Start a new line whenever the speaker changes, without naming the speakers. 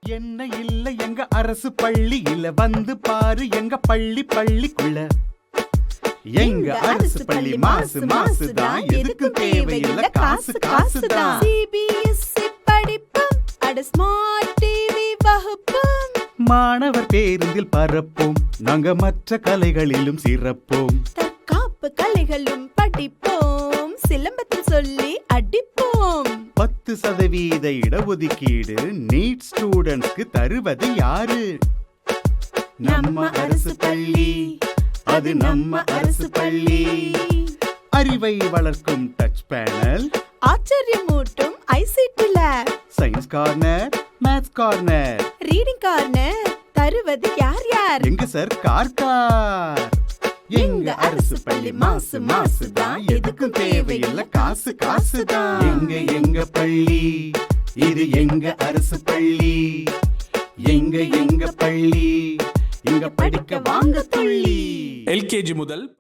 என்ன இல்ல எங்க அரசு பள்ளியில வந்து பாரு எங்க பள்ளிக்குள்ள எங்க அரசு பள்ளி மாசு மாசுதான் எதுக்கும் தேவையில்ல காசு காசுதான்.
சிபிஎஸ்இ படிப்பும் அட ஸ்மார்ட் டிவி வகுப்பும்
மாணவர் பேருந்தில் பரப்போம் நாங்க மற்ற கலைகளிலும் சிறப்போம்.
தற்காப்பு கலைகளும் படிப்போம் சிலம்பத்தில் சொல்லி அடிப்போம்.
10% இடஒதுக்கீடு நீட் ஸ்டூடெண்ட்ஸ்க்கு தருவது யாரு? நம்ம அரசு பள்ளி, அது நம்ம அரசு பள்ளி. அறிவை வளர்க்கும் டச் பேனல்,
ஆச்சரியமூட்டும் ICT lab,
science corner, maths corner,
reading corner தருவது யார் யார்?
எங்க சார் கார். எங்க அரசு பள்ளி மாசு மாசுதான் எதுக்கும் தேவையில்ல காசு காசுதான். எங்க பள்ளி, இது எங்க அரசு பள்ளி. எங்க பள்ளி, இங்க படிக்க வாங்க துள்ளி.
LKG முதல்